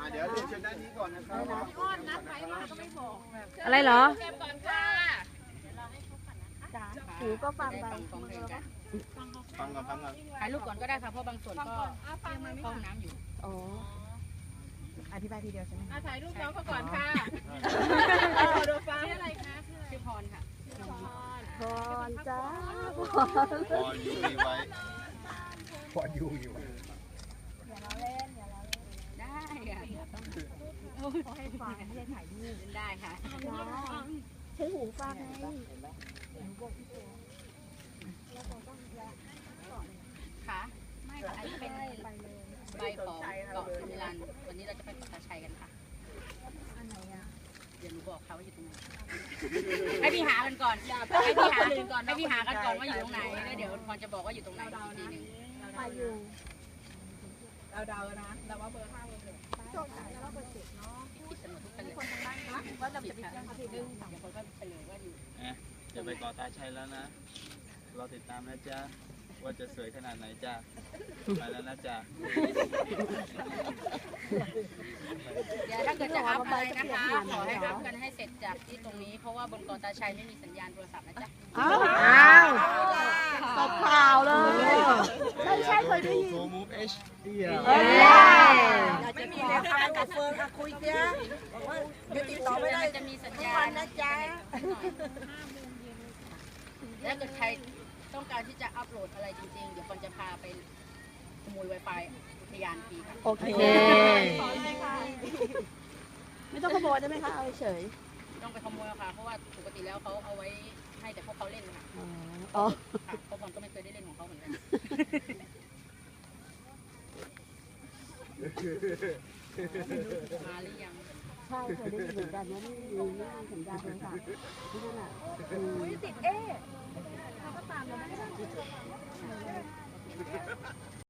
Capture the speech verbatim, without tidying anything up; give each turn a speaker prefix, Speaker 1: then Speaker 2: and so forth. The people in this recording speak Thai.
Speaker 1: เดี๋ยวเรียนเชิญด้านนี้ก่อนนะครับก้อนนัดไปมาก็ไม่บอก
Speaker 2: อะไรเหรอ
Speaker 3: เก็บก่อนค่ะ
Speaker 2: จ๋าหูก็ฟังไป
Speaker 1: ฟังก่อนฟังก่อน
Speaker 3: ถ่ายรูปก่อนก็ได้ค่ะเพราะบางส่วนก็เข้าน้ำอยู่
Speaker 2: อ๋ออธิบายทีเดียวใช่ไหม
Speaker 3: ถ่ายรูปน้องเขาก่อนค่ะดูฟังชื่ออะไรคะชื่อพรค่ะ
Speaker 2: พรจ้า
Speaker 1: พรยูมีไว้พรยูอยู่
Speaker 2: อย่าเราเล่นอย่าเราเล่น
Speaker 3: ได้ค่ะ
Speaker 2: เขาให้ฟังไม่ได้ถ่ายรูป
Speaker 3: ได้ค่ะ
Speaker 2: ใช้หูฟังไง
Speaker 3: ค่ะไม่อันนี้เป็นใบของเกาะสิมิลันวันนี้เราจะไปเกาะตาชัยกันค่ะ
Speaker 2: อันไหนอ่ะ
Speaker 3: เดี๋ยวหนูบอกเขาว่าอยู่ตรงไหนให้พี่หากันก่อนให้พี่หากันก่อนให้พี่หากันก่อนว่าอยู่ตรงไหนแล้วเดี๋ยวพรจะบอกว่าอยู่ตรงไหนอีกทีหนึ่ง
Speaker 2: มาอยู่
Speaker 3: เราเดานะเราว่าเบอร์ห้าเบอร์หก
Speaker 2: โจทย์แล้วเราเบอร์เจ็ดเนาะ
Speaker 3: ผิดกันหมดทุกคนเลย
Speaker 2: คนทางบ้านนะว่าเราจะไปแจ้งเขาทีนึง
Speaker 3: เดี๋ยวคนก็ไปเลยว่าอยู่
Speaker 4: จะไปเกาะตาชัยแล้วนะรอติดตามนะจ๊ะว่าจะสวยขนาดไหนจ้ะไปแล้วนะจ๊ะ
Speaker 3: เดี๋ยวถ้าเกิดจะอัพอะไรนะคะขอให้อัพกันให้เสร็จจากที่ตรงนี้เพราะว่าบนเกาะตาชัยไม่มีสัญญาณโทรศัพท์นะจ๊ะ
Speaker 2: อ้าวตบข่าวเลยใช่ใช่เคยได้ยิน
Speaker 1: โทรมูฟเอช
Speaker 2: ไม่มีแล้วค่ะกับเฟิร์นคุยเจ้าบอกว่าเดี๋ยวติดต่อไม่ได้
Speaker 3: จะมีสัญญาณ
Speaker 2: นะจ๊ะ
Speaker 3: ถ้าเกิดใครต้องการที่จะอัพโหลดอะไรจริงๆเดี๋ยวคนจะพาไปขโมย Wi-Fi อุทยานฟรีค่ะ
Speaker 2: โอเคไม่ต้องขโมยได้ไหมคะเอาเฉย
Speaker 3: ต้องไปขโมยค่ะเพราะว่าปกติแล้วเขาเอาไว้ให้แต่พวกเขาเล่นค่ะ
Speaker 2: อ๋อ
Speaker 3: ค่ะเพราะผมก็ไม่เคยได้เล่นของเขาเหมือนกันมาหรือยัง
Speaker 2: ใช่เคยได้ยินเหมือนกันว่าไม่มีไม่มีสัญญาณโทรศัพท์ที่นั่นอ่ะติดเอ๊ะเขาก็ตามเราไม่ได้